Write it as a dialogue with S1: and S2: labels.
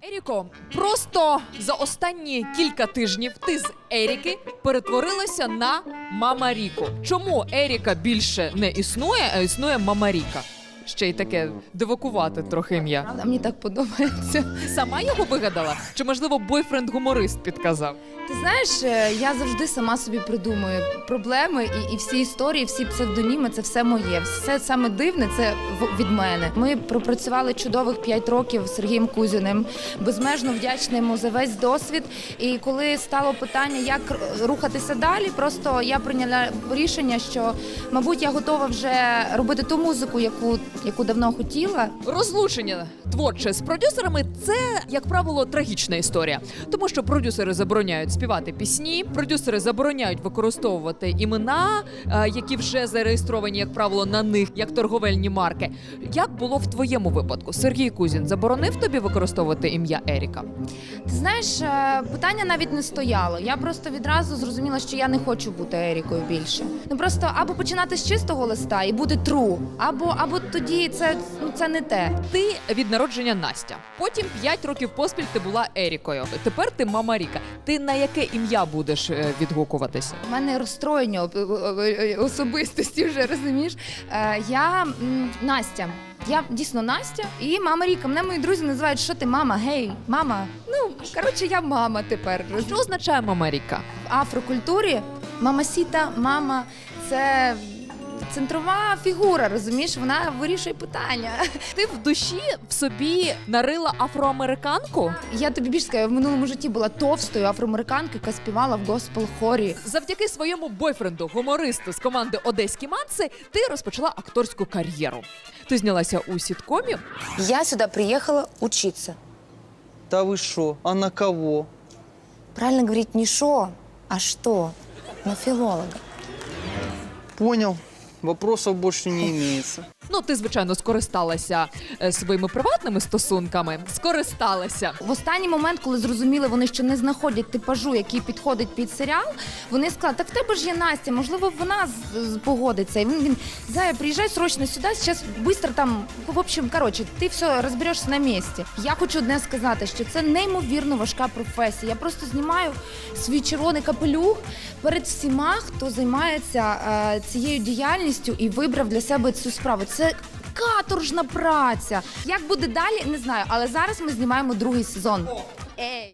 S1: Еріко, просто за останні кілька тижнів ти з Еріки перетворилася на Мама Ріку. Чому Еріка більше не існує, а існує Мама Ріка? Ще й таке дивакувати трохи ім'я.
S2: Правда, мені так подобається.
S1: Сама його вигадала? Чи, можливо, бойфренд-гуморист підказав?
S2: Ти знаєш, я завжди сама собі придумую проблеми і всі історії, всі псевдоніми – це все моє. Все саме дивне – це від мене. Ми пропрацювали чудових 5 років з Сергієм Кузіним, безмежно вдячна йому за весь досвід. І коли стало питання, як рухатися далі, просто я прийняла рішення, що, мабуть, я готова вже робити ту музику, яку давно хотіла.
S1: Розлучення творче з продюсерами – це, як правило, трагічна історія. Тому що продюсери забороняють співати пісні, продюсери забороняють використовувати імена, які вже зареєстровані, як правило, на них, як торговельні марки. Як було в твоєму випадку? Сергій Кузін заборонив тобі використовувати ім'я Еріка?
S2: Ти знаєш, питання навіть не стояло. Я просто відразу зрозуміла, що я не хочу бути Ерікою більше. Ну просто або починати з чистого листа і бути true, або тоді це не те.
S1: Ти від народження Настя. Потім 5 років поспіль ти була Ерікою. Тепер ти Мама Ріка. Ти на яке ім'я будеш відгукуватися?
S2: У мене розстроєння особистості вже, розумієш? Я Настя. Я дійсно Настя і Мама Ріка. Мене мої друзі називають, що ти мама, гей, мама. Ну, коротше, я мама тепер.
S1: Що означає Мама Ріка?
S2: В афрокультурі мамасіта, мама – це центрова фігура, розумієш? Вона вирішує питання.
S1: Ти в душі в собі нарила афроамериканку?
S2: Я тобі більше скажу, я в минулому житті була товстою афроамериканкою, яка співала в госпел-хорі.
S1: Завдяки своєму бойфренду, гумористу з команди «Одеські манси», ти розпочала акторську кар'єру. Ти знялася у сіткомі.
S3: Я сюда приехала учиться.
S4: Да вы шо? А на кого?
S3: Правильно говорить не шо, а что. На филолога.
S4: Понял. Вопросов больше не имеется.
S1: Ну, ти, звичайно, скористалася своїми приватними стосунками. Скористалася.
S2: В останній момент, коли зрозуміли, вони ще не знаходять типажу, який підходить під серіал, вони сказали, так в тебе ж є Настя, можливо, вона погодиться. І він Зая, приїжджай срочно сюди, зараз швидко там, в общем, коротше, ти все розберешся на місці. Я хочу одне сказати, що це неймовірно важка професія. Я просто знімаю свій червоний капелюх перед всіма, хто займається цією діяльністю і вибрав для себе цю справу. Це каторжна праця. Як буде далі, не знаю, але зараз ми знімаємо другий сезон. Ей!